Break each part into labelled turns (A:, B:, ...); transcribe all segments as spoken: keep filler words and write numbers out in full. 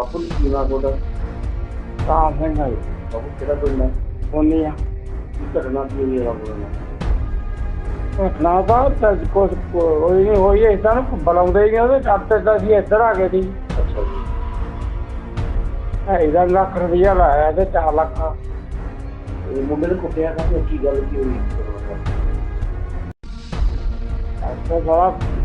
A: ਬਾਪੂ ਜੀ ਕੀ ਨਾਂ ਤੁਹਾਡਾ?
B: ਕਾਮ ਸਿੰਘ ਹੈ
A: ਬਾਪੂ ਕਿਹੜਾ ਪਿੰਡ ਹੈ?
B: ਬੋਨੀ ਆ
A: ਕੀ ਘਟਨਾ ਕੀ ਹੋਈ ਹੈ ਬਾਪੂ ਨਾਲ?
B: ਘਟਨਾ ਤਾਂ ਤਾਂ ਕੁਛ ਹੋਈ ਨਹੀਂ ਹੋਈ ਇੱਦਾਂ ਨੂੰ ਬੁਲਾਉਂਦੇ ਹੀ ਨਹੀਂ ਉਹਦੇ ਚਾਪੇ ਤਾਂ ਅਸੀਂ ਇੱਧਰ ਆ ਗਏ ਸੀ।
A: ਅੱਛਾ ਜੀ।
B: ਢਾਈ ਦਾ ਲੱਖ ਰੁਪਈਆ ਲਾਇਆ ਤੇ ਚਾਰ ਲੱਖ
A: ਇਹ ਮੁੰਡੇ ਨੇ ਕੁੱਟਿਆ ਕਾਹਤੇ? ਕੀ ਗੱਲ ਕੀ ਹੋਈ?
B: ਅੱਛਾ ਸਾਰਾ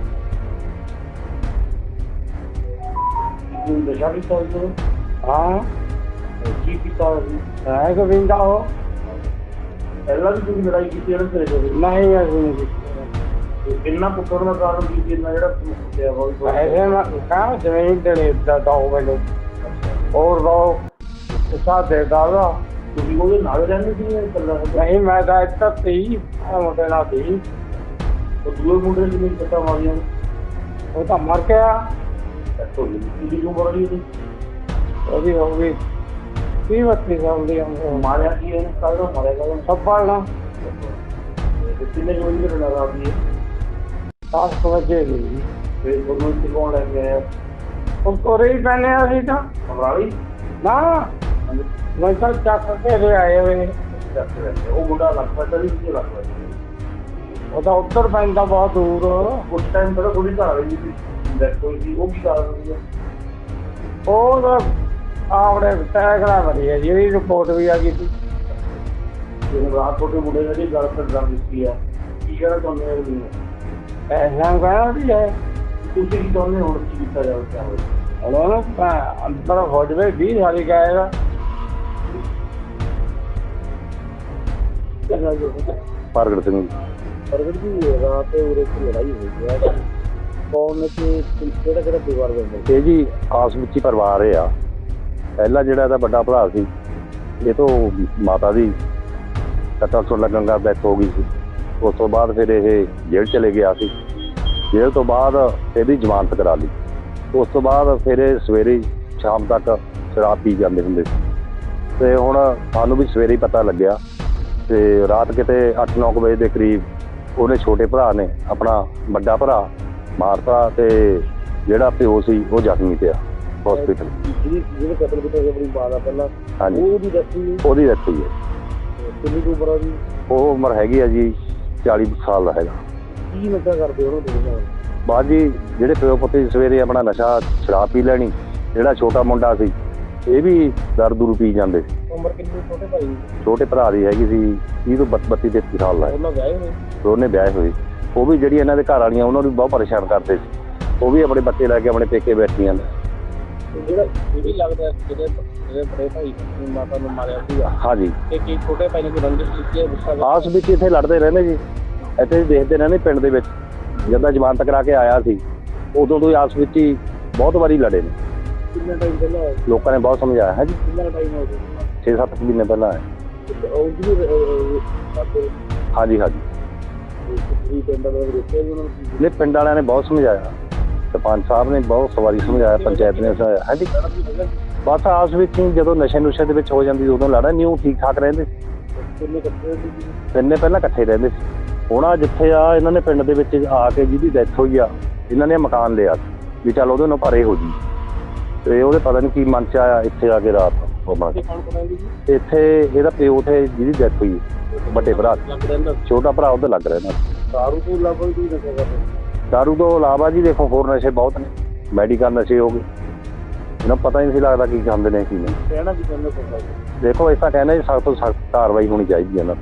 A: ਕੀ ਨਸ਼ਾ ਕੀਤਾ ਹੋਇਆ?
B: ਹਾਂ
A: ਕੀ ਕੀਤਾ ਹੋਇਆ?
B: ਹੈ ਗੋਬਿੰਦਾ ਉਹ
A: ਪਹਿਲਾਂ ਵੀ ਤੁਸੀਂ ਲੜਾਈ ਕੀਤੀ ਇਹਨਾਂ ਤੇਰੇ ਕੋਲ?
B: ਨਹੀਂ ਅਸੀਂ ਨਹੀਂ ਕੀਤੀ।
A: ਕਿੰਨਾ ਕੁੱਟਣ ਦਾ ਕਾਰਨ ਕੀ ਸੀ? ਇੰਨਾ ਜਿਹੜਾ ਤੁਹਾਨੂੰ ਕੁੱਟਿਆ ਵਾ
B: ਐਸੇ ਮੈਂ ਕਹਾਂ ਜ਼ਮੀਨ ਦੇ ਦਾ ਦੋ ਮੈਨੂੰ ਹੋਰ ਦੋ ਸਾਡੇ ਦਾਦਾ
A: ਤੁਸੀਂ ਉਹਦੇ ਨਾਲ ਰਹਿੰਦੇ ਸੀ ਜਾਂ ਇਕੱਲਾ?
B: ਨਹੀਂ ਮੈਂ ਤਾਂ ਇੱਥੇ ਸੀ ਮੁੰਡੇ ਨਾਲ ਸੀ।
A: ਉਹ ਦੂਏ ਮੁੰਡੇ ਨੇ ਕਿੰਨੀ ਸੱਟਾਂ ਮਾਰੀਆਂ?
B: ਉਹ ਤਾਂ ਮਰ ਗਿਆ।
A: ਕਿੰਨੀ ਉਮਰ ਹੋਈ ਉਹਦੀ?
B: ਉਹਦੀ ਹੋ ਗਈ ਤੀਹ ਬੱਤੀ ਸਾਲ ਦੀ ਉਮਰ।
A: ਮਾਰਿਆ ਕੀ ਇਹਨੇ? ਕੱਲ੍ਹ ਨੂੰ ਮਾਰਿਆ ਕੱਲ੍ਹ ਨੂੰ?
B: ਸੱਪਾਲ ਨਾ
A: ਕਿੰਨੇ ਕੁ ਵਜੇ ਘਟਨਾ ਰਾਤ ਦੀ ਹੈ?
B: ਦਸ ਕੁ ਵਜੇ ਗਈ।
A: ਫਿਰ ਤੁਹਾਨੂੰ ਇੱਥੇ ਕੌਣ ਲੈ ਕੇ ਆਇਆ?
B: ਉਹ ਕੋਰੇ ਹੀ ਪੈਨੇ ਅਸੀਂ ਤਾਂ
A: ਸਮਰਾਲੀ?
B: ਨਾ ਮੈਂ ਤਾਂ ਚੱਕ ਕੇ ਲੈ ਆਏ ਵੇ।
A: ਚੱਕ ਰਹੇ ਉਹ ਮੁੰਡਾ ਲੱਗ ਪੈਂਦਾ ਨਹੀਂ ਸੀ? ਲੱਗ ਪੈਂਦਾ
B: ਉਹ ਤਾਂ ਉੱਧਰ ਪੈਂਦਾ ਬਹੁਤ ਦੂਰ।
A: ਉਸ ਟਾਈਮ ਪਹਿਲਾਂ ਥੋੜੀ ਘਰ ਰਹੀ ਸੀ ਡੈਥ ਹੋਈ ਸੀ, ਉਹ ਕੀ ਕਾਰਨ ਸੀ?
B: ਉਹ ਤਾਂ ਆਪਣੇ ਟੈਗਰਾ ਬਣੀ ਹੈ ਜਿਹਦੀ ਰਿਪੋਰਟ ਵੀ ਆ ਗਈ ਸੀ।
A: ਹੁਣ ਰਾਤ ਤੁਹਾਡੇ ਮੁੰਡੇ ਨੇ ਜਿਹੜੀ ਗੱਲ ਕਰ ਦਿੱਤੀ ਆ, ਕੀ ਕਹਿਣਾ ਚਾਹੁੰਦੇ ਹੋ?
B: ਐਸਾ ਕਹਿਣਾ ਵੀ ਹੈ
A: ਤੁਸੀਂ ਕੀ ਚਾਹੁੰਦੇ ਹੁਣ ਕੀ ਕੀਤਾ ਜਾਵੇ? ਕਿਆ ਹੋਵੇ
B: ਹੁਣ ਅੰਦਰ ਹੋ ਜਾਵੇ ਵੀਹ ਸਾਲੀ ਗਾਏਗਾ।
C: ਪ੍ਰਗਟ ਸਿੰਘ।
A: ਪ੍ਰਗਟ ਜੀ ਰਾਤ ਉਰੇ ਲੜਾਈ ਹੋਈ ਹੈ, ਕੌਣ ਤੇ ਕਿਹੜਾ ਕਿਹੜਾ ਪਰਿਵਾਰ ਦਾ?
C: ਇਹ ਜੀ ਆਸ ਵਿੱਚ ਹੀ ਪਰਿਵਾਰ ਇਹ ਆ। ਪਹਿਲਾ ਜਿਹੜਾ ਇਹਦਾ ਵੱਡਾ ਭਰਾ ਸੀ, ਇਹ ਤੋਂ ਮਾਤਾ ਦੀ ਕੱਟਾ ਸੁਣ ਲੱਗਣ ਦਾ ਡੈਥ ਹੋ ਗਈ ਸੀ। ਉਸ ਤੋਂ ਬਾਅਦ ਫਿਰ ਇਹ ਜੇਲ੍ਹ ਚਲੇ ਗਿਆ ਸੀ। ਜੇਲ੍ਹ ਤੋਂ ਬਾਅਦ ਇਹਦੀ ਜ਼ਮਾਨਤ ਕਰਾ ਲਈ। ਉਸ ਤੋਂ ਬਾਅਦ ਫਿਰ ਇਹ ਸਵੇਰੇ ਸ਼ਾਮ ਤੱਕ ਸ਼ਰਾਬ ਪੀ ਜਾਂਦੇ ਹੁੰਦੇ ਸੀ। ਅਤੇ ਹੁਣ ਸਾਨੂੰ ਵੀ ਸਵੇਰੇ ਹੀ ਪਤਾ ਲੱਗਿਆ ਅਤੇ ਰਾਤ ਕਿਤੇ ਅੱਠ ਨੌ ਕੁ ਵਜੇ ਦੇ ਕਰੀਬ ਉਹਨੇ ਛੋਟੇ ਭਰਾ ਨੇ ਆਪਣਾ ਵੱਡਾ ਭਰਾ ਮਾਰਤਾ ਅਤੇ ਜਿਹੜਾ ਪਿਓ ਸੀ ਉਹ ਜ਼ਖਮੀ ਪਿਆ ਹੌਸਪੀਟਲ।
A: ਜਿਹੜੀ ਜਿਹੜੇ ਕਤਲ ਕੀਤਾ ਸੀ ਆਪਣੀ ਮਾਂ ਦਾ ਪਹਿਲਾਂ,
C: ਹਾਂਜੀ
A: ਉਹਦੀ ਡੈਥ ਹੋਈ?
C: ਉਹਦੀ ਡੈਥ ਹੋਈ ਹੈ।
A: ਕਿੰਨੀ ਕੁ ਉਮਰ ਆ ਜੀ?
C: ਉਹ ਉਮਰ ਹੈਗੀ ਆ ਜੀ ਚਾਲੀ ਸਾਲ ਦਾ ਹੈਗਾ।
A: ਕੀ ਨਸ਼ਾ ਕਰਦੇ ਉਹਨੂੰ ਤੁਸੀਂ?
C: ਬਾਅਦ ਜੀ ਜਿਹੜੇ ਪਿਓ ਪੁੱਤ ਸਵੇਰੇ ਆਪਣਾ ਨਸ਼ਾ ਸ਼ਰਾਬ ਪੀ ਲੈਣੀ। ਜਿਹੜਾ ਛੋਟਾ ਮੁੰਡਾ ਸੀ ਇਹ ਵੀ ਦਰ ਦੂਰ ਪੀ ਜਾਂਦੇ ਸੀ।
A: ਉਮਰ ਕਿੰਨੀ ਛੋਟੇ ਭਾਈ?
C: ਛੋਟੇ ਭਰਾ ਦੀ ਹੈਗੀ ਸੀ ਤੀਹ ਤੋਂ ਬੱਤੀ ਤੇਤੀ ਸਾਲ ਦਾ।
A: ਉਹਨਾਂ ਵਿਆਹੇ ਹੋਏ?
C: ਦੋਨੇ ਵਿਆਹੇ ਹੋਏ। ਉਹ ਵੀ ਜਿਹੜੀ ਇਹਨਾਂ ਦੇ ਘਰ ਵਾਲੀਆਂ ਉਹਨਾਂ ਨੂੰ ਵੀ ਬਹੁਤ ਪਰੇਸ਼ਾਨ ਕਰਦੇ ਸੀ। ਉਹ ਵੀ ਆਪਣੇ ਬੱਚੇ ਲੈ ਕੇ ਆਪਣੇ ਪੇਕੇ ਬੈਠੀਆਂ ਨੇ।
A: ਜਿਹੜਾ ਇਹ ਵੀ ਲੱਗਦਾ ਜਿਹੜੇ ਜਿਹੜੇ ਬੜੇ ਭਾਈ ਨੇ ਮਾਤਾ ਨੂੰ ਮਾਰਿਆ ਸੀਗਾ,
C: ਹਾਂਜੀ
A: ਤੇ ਕੀ ਛੋਟੇ ਭਾਈ ਨੇ ਕੋਈ ਰੰਜਿਸ਼ ਕੀਤੀ ਹੈ? ਗੁੱਸਾ
C: ਆਸ ਵਿੱਚ ਇੱਥੇ ਲੜਦੇ ਰਹਿੰਦੇ ਜੀ। ਇੱਥੇ ਦੇਖਦੇ ਰਹਿੰਦੇ ਪਿੰਡ ਦੇ ਵਿੱਚ। ਜਦੋਂ ਜ਼ਮਾਨਤ ਕਰਾ ਕੇ ਆਇਆ ਸੀ ਉਦੋਂ ਤੋਂ ਹੀ ਆਸ ਵਿੱਚ ਹੀ ਬਹੁਤ ਵਾਰੀ ਲੜੇ ਨੇ।
A: ਕਿੰਨਾ ਟਾਈਮ ਪਹਿਲਾਂ ਹੋਇਆ?
C: ਲੋਕਾਂ ਨੇ ਬਹੁਤ ਸਮਝਾਇਆ ਹੈ ਜੀ।
A: ਕਿੰਨਾ ਟਾਈਮ ਹੋ ਗਿਆ?
C: ਛੇ ਸੱਤ ਮਹੀਨੇ ਪਹਿਲਾਂ ਹੈ।
A: ਉਹ ਜਿਹੜੀ
C: ਹਾਂਜੀ ਹਾਂਜੀ
A: ਤੁਸੀਂ ਪਿੰਡ ਦੇ ਰੁਕੇ ਉਹਨਾਂ ਨੂੰ?
C: ਨੇ ਪਿੰਡ ਵਾਲਿਆਂ ਨੇ ਬਹੁਤ ਸਮਝਾਇਆ। ਸਰਪੰਚ ਸਾਹਿਬ ਨੇ ਬਹੁਤ ਵਾਰੀ ਸਮਝਾਇਆ, ਪੰਚਾਇਤ ਨੇ ਸਮਝਾਇਆ ਹੈ ਜੀ। ਬਸ ਆਸ ਵਿੱਚ ਹੀ ਜਦੋਂ ਨਸ਼ੇ ਨੁਸ਼ੇ ਦੇ ਵਿੱਚ ਹੋ ਜਾਂਦੀ ਉਦੋਂ ਲੜਾ ਨਹੀਂ। ਉਹ ਠੀਕ ਠਾਕ ਰਹਿੰਦੇ ਸੀ।
A: ਕਿੰਨੇ ਇਕੱਠੇ ਸੀ?
C: ਤਿੰਨੇ ਪਹਿਲਾਂ ਇਕੱਠੇ ਰਹਿੰਦੇ ਸੀ। ਹੁਣ ਆ ਜਿੱਥੇ ਆ ਇਹਨਾਂ ਨੇ ਪਿੰਡ ਦੇ ਵਿੱਚ ਆ ਕੇ ਜਿਹਦੀ ਡੈਥ ਹੋਈ ਆ ਇਹਨਾਂ ਨੇ ਮਕਾਨ ਲਿਆ ਵੀ ਚੱਲ ਉਹਦੇ ਨਾਲ ਪਰੇ ਹੋ ਜੀ। ਤੇ ਉਹਦੇ ਪਤਾ ਨਹੀਂ ਕੀ ਮਨ ਚ ਆਇਆ ਇੱਥੇ ਆ ਕੇ ਰਾਤ ਇੱਥੇ ਇਹਦਾ ਪਿਓ ਤੇ ਜਿਹਦੀ ਡੈਥ ਹੋਈ ਵੱਡੇ ਭਰਾ ਛੋਟਾ ਭਰਾ ਉਹਦੇ ਲੱਗ ਰਿਹਾ।
A: ਦਾਰੂ ਤੋਂ ਇਲਾਵਾ ਕੋਈ ਨਸ਼ਾ ਕਰਦੇ?
C: ਦਾਰੂ ਤੋਂ ਇਲਾਵਾ ਜੀ ਦੇਖੋ ਹੋਰ ਨਸ਼ੇ ਬਹੁਤ ਨੇ। ਮੈਡੀਕਲ ਨਸ਼ੇ ਹੋ ਗਏ, ਇਹਨਾਂ ਪਤਾ ਹੀ ਨਹੀਂ ਸੀ ਲੱਗਦਾ ਕੀ ਖਾਂਦੇ ਨੇ ਕੀ ਨਹੀਂ।
A: ਕਹਿਣਾ ਕੀ ਚਾਹੁੰਦੇ ਸਰਕਾਰ?
C: ਦੇਖੋ ਇਸ ਤਾਂ ਕਹਿੰਦੇ ਸਖਤ ਤੋਂ ਸਖਤ ਕਾਰਵਾਈ ਹੋਣੀ ਚਾਹੀਦੀ ਹੈ ਇਹਨਾਂ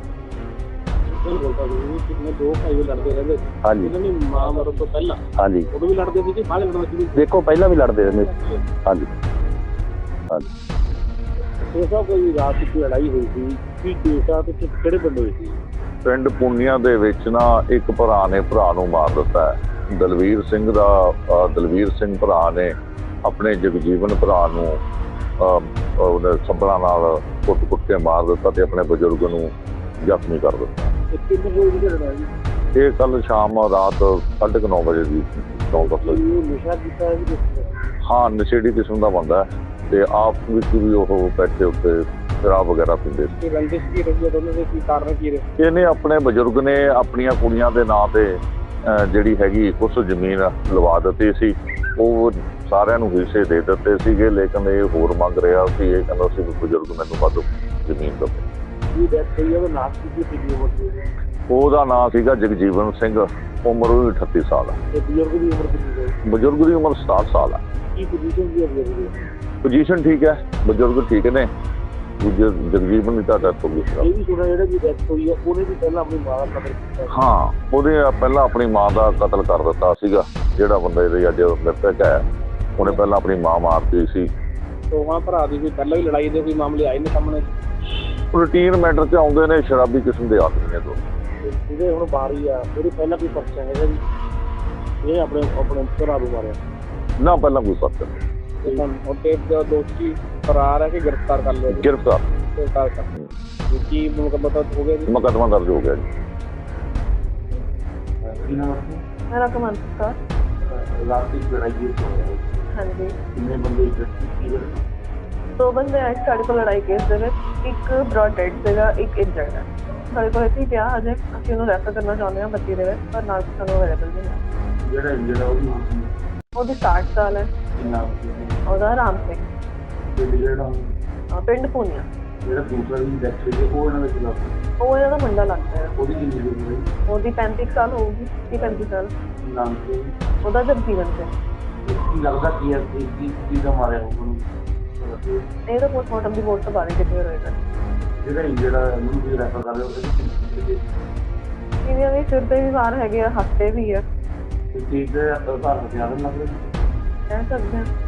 A: ਕਿੰਨੇ ਦੋ ਭਾਈ ਲੜਦੇ ਰਹਿੰਦੇ?
C: ਹਾਂਜੀ
A: ਇਹਨਾਂ ਦੀ ਮਾਂ ਮਰਨ ਤੋਂ ਪਹਿਲਾਂ?
C: ਹਾਂਜੀ
A: ਉਦੋਂ ਵੀ ਲੜਦੇ ਸੀ ਕਿ ਬਾਅਦ ਲੜਨਾ ਸ਼ੁਰੂ?
C: ਦੇਖੋ ਪਹਿਲਾਂ ਵੀ ਲੜਦੇ ਰਹਿੰਦੇ ਸੀ। ਹਾਂਜੀ ਹਾਂਜੀ
A: ਇਹ ਸਭ ਕੋਈ ਰਾਤ ਦੀ ਲੜਾਈ ਹੋਈ ਸੀ ਕੀ ਕੇਸਾ ਤੇ ਕਿਹੜੇ ਪਿੰਡ ਹੋਈ ਸੀ?
D: ਪਿੰਡ ਪੁੰਨੀਆਂ ਦੇ ਵਿੱਚ ਨਾ ਇੱਕ ਭਰਾ ਨੇ ਭਰਾ ਨੂੰ ਮਾਰ ਦਿੱਤਾ ਹੈ। ਦਲਵੀਰ ਸਿੰਘ ਦਾ ਅ, ਦਲਵੀਰ ਸਿੰਘ ਭਰਾ ਨੇ ਆਪਣੇ ਜਗਜੀਵਨ ਭਰਾ ਨੂੰ ਉਹਨੇ ਸੱਬਲਾਂ ਨਾਲ ਕੁੱਟ ਕੁੱਟ ਕੇ ਮਾਰ ਦਿੱਤਾ ਤੇ ਆਪਣੇ ਬਜ਼ੁਰਗ ਨੂੰ ਜ਼ਖਮੀ ਕਰ ਦਿੱਤਾ।
A: ਕਿੰਨੇ ਵਜੇ ਦੀ ਲੜਾਈ?
D: ਇਹ ਕੱਲ ਸ਼ਾਮ ਰਾਤ ਸਾਢੇ ਕੁ ਨੌ ਵਜੇ ਦੀ ਨੌ ਦਸ ਵਜੇ।
A: ਨਸ਼ਾ ਕੀਤਾ ਹੈ ਜੀ?
D: ਹਾਂ ਨਸ਼ੇੜੀ ਕਿਸਮ ਦਾ ਬੰਦਾ ਹੈ ਤੇ ਆਪ ਵਿੱਚ ਵੀ ਉਹ ਬੈਠੇ ਉੱਤੇ ਸ਼ਰਾਬ ਵਗੈਰਾ ਪੀਂਦੇ ਸੀ।
A: ਰੰਜਿਸ਼ ਕੀ ਰਹੀ ਹੈ ਦੋਨਾਂ ਦੇ? ਕੀ ਕਾਰਨ ਕੀ ਰਹੇ?
D: ਇਹਨੇ ਆਪਣੇ ਬਜ਼ੁਰਗ ਨੇ ਆਪਣੀਆਂ ਕੁੜੀਆਂ ਦੇ ਨਾਂ ਤੇ ਜਿਹੜੀ ਹੈਗੀ ਕੁਛ ਜ਼ਮੀਨ ਲਵਾ ਦਿੱਤੀ ਸੀ। ਉਹ ਸਾਰਿਆਂ ਨੂੰ ਹਿੱਸੇ ਦੇ ਦਿੱਤੇ ਸੀਗੇ, ਲੇਕਿਨ ਇਹ ਹੋਰ ਮੰਗ ਰਿਹਾ ਸੀ। ਇਹ ਕਹਿੰਦਾ ਸੀ ਵੀ ਬਜ਼ੁਰਗ ਮੈਨੂੰ ਵੱਧ ਜ਼ਮੀਨ ਦੇਵੇ।
A: ਇਹ ਡੈਥ ਹੋਈ ਆ, ਉਹਦਾ ਨਾਮ ਕੀ ਸੀ? ਕਿੰਨੀ ਉਮਰ ਸੀ ਉਹਦੀ?
D: ਉਹਦਾ ਨਾਂ ਸੀਗਾ ਜਗਜੀਵਨ ਸਿੰਘ, ਉਮਰ ਉਹਦੀ ਅਠੱਤੀ ਸਾਲ ਹੈ।
A: ਤੇ ਬਜ਼ੁਰਗ ਦੀ ਉਮਰ ਕਿੰਨੀ ਸੀ?
D: ਬਜ਼ੁਰਗ ਦੀ ਉਮਰ ਸਤਾਹਠ ਸਾਲ ਹੈ।
A: ਕੀ ਪੋਜੀਸ਼ਨ ਸੀ ਬਜ਼ੁਰਗ ਦੀ?
D: ਪੋਜੀਸ਼ਨ ਠੀਕ ਹੈ, ਬਜ਼ੁਰਗ ਠੀਕ ਨੇ। ਦੂਜੇ ਜਗਜੀਵਨ ਦੀ ਤਾਂ ਡੈਥ ਹੋ ਗਈ ਸੀ।
A: ਇਹ ਵੀ ਸੁਣਿਆ ਜਿਹੜਾ ਜੀ ਡੈਥ ਹੋਈ ਆ ਉਹਨੇ ਵੀ ਪਹਿਲਾਂ ਆਪਣੀ ਮਾਂ ਦਾ ਕਤਲ ਕੀਤਾ।
D: ਹਾਂ, ਉਹਦੇ ਪਹਿਲਾਂ ਆਪਣੀ ਮਾਂ ਦਾ ਕਤਲ ਕਰ ਦਿੱਤਾ ਸੀਗਾ। ਜਿਹੜਾ ਬੰਦਾ ਇਹਦੇ ਅੱਜ ਮ੍ਰਿਤਕ ਹੈ, ਉਹਨੇ ਪਹਿਲਾਂ ਆਪਣੀ ਮਾਂ ਮਾਰਤੀ ਸੀ।
A: ਦੋਵਾਂ ਭਰਾ ਦੀ ਕੋਈ ਪਹਿਲਾਂ ਵੀ ਲੜਾਈ ਦੇ ਕੋਈ ਮਾਮਲੇ ਆਏ ਨੇ ਸਾਹਮਣੇ?
D: ਰੂਟੀਨ ਮੈਟਰ 'ਚ ਆਉਂਦੇ ਨੇ, ਸ਼ਰਾਬੀ ਕਿਸਮ ਦੇ ਆਦਮੀ ਨੇ ਦੋ।
A: ਜਿਹਦੇ ਹੁਣ ਬਾਰੀ ਆ ਉਹਦੇ ਪਹਿਲਾਂ ਕੋਈ ਪਰਚਾ ਹੈਗਾ ਜੀ? ਇਹ ਆਪਣੇ ਆਪਣੇ ਭਰਾ ਨੂੰ ਮਾਰਿਆ?
D: ਨਾ, ਪਹਿਲਾਂ ਕੋਈ ਪਰਚਾ ਨਹੀਂ।
A: ਉਹਦੇ ਦੋਸ਼ੀ ਫਰਾਰ ਹੈ ਕਿ ਗ੍ਰਿਫਤਾਰ ਕਰ ਲਿਆ?
D: ਗ੍ਰਿਫਤਾਰ
A: ਗ੍ਰਿਫਤਾਰ ਕਰ ਕੀ ਮੁਕੱਦਮਾ ਹੋ ਗਿਆ ਜੀ?
D: ਮੁਕੱਦਮਾ ਦਰਜ ਹੋ ਗਿਆ ਜੀ।
E: ਮੇਰਾ ਕਮਲ ਸਰ।
A: ਰਾਤ ਦੀ ਲੜਾਈ ਹੋਈ
E: ਹਾਂਜੀ,
A: ਕਿੰਨੇ ਬੰਦੇ ਕੀ
E: ਦੋ ਬੰਦੇ ਆਏ ਸਾਡੇ ਕੋਲ ਲੜਾਈ ਕੇਸ ਦੇ ਵਿੱਚ। ਇੱਕ ਬ੍ਰੌਡ ਡੈਡ ਸੀਗਾ, ਇੱਕ ਇੰਜਰਡ ਹੈ। ਸਾਡੇ ਕੋਲ ਇੱਥੇ ਪਿਆ ਹਜੇ, ਅਸੀਂ ਉਹਨੂੰ ਰੈਫਰ ਕਰਨਾ ਚਾਹੁੰਦੇ ਹਾਂ ਬੱਤੀ ਦੇ ਵਿੱਚ, ਪਰ ਨਾਲ ਸਾਨੂੰ ਅਵੇਲੇਬਲ ਨਹੀਂ ਹੈ।
A: ਜਿਹੜਾ ਇੰਜਰਡ ਆ ਉਹਦੀ
E: ਉਹਦੀ ਸੱਠ ਸਾਲ ਹੈ।
A: ਨਾਮ
E: ਉਹਦਾ ਰਾਮ ਸਿੰਘ,
A: ਤੇ ਜਿਹੜਾ
E: ਅਹ ਪਿੰਡ ਪੂਨੀਆ।
A: ਜਿਹੜਾ ਦੂਸਰਾ ਵੀ ਡੈਥ ਹੋਈ ਹੈ ਉਹ ਇਹਨਾਂ ਦੇ ਖਿਲਾਫ?
E: ਉਹ ਇਹਨਾਂ ਦਾ ਮੁੰਡਾ ਲੱਗਦਾ ਹੈ।
A: ਉਹਦੀ ਕਿੰਨੀ ਉਮਰ ਹੈ?
E: ਉਹਦੀ ਪੈਂਤੀ ਕੁ ਸਾਲ ਹੋਊਗੀ, ਤੀਹ ਪੈਂਤੀ ਸਾਲ।
A: ਨਾਮ ਕੀ?
E: ਉਹਦਾ ਜਗਜੀਵਨ ਸਿੰਘ।
A: ਕੀ ਲੱਗਦਾ ਕੀ ਹੈ ਕੀ ਕੀ ਦਾ ਮਾਰਿਆ ਉਹਨੂੰ?
E: ਇਹ ਤਾਂ ਪੋਸਟਮਾਰਟਮ ਦੀ ਰਿਪੋਰਟ ਤੋਂ ਬਾਅਦ ਹੀ ਕਲੀਅਰ ਹੋਏਗਾ।
A: ਜਿਹੜਾ ਇੰਜਰਡ ਆ ਉਹਨੂੰ ਵੀ ਰੈਫਰ ਕਰ ਰਹੇ ਹੋ?
E: ਇਹਦੀਆਂ ਵੀ ਸਿਰ ਤੇ ਵੀ ਵਾਰ ਹੈਗੇ ਆ, ਹੱਥ ਤੇ ਵੀ ਆ।
A: ਠੀਕ ਹੈ, ਘਰ ਹਥਿਆਰ ਲੱਗ ਰਹੇ
E: ਕਹਿ ਸਕਦੇ ਹਾਂ।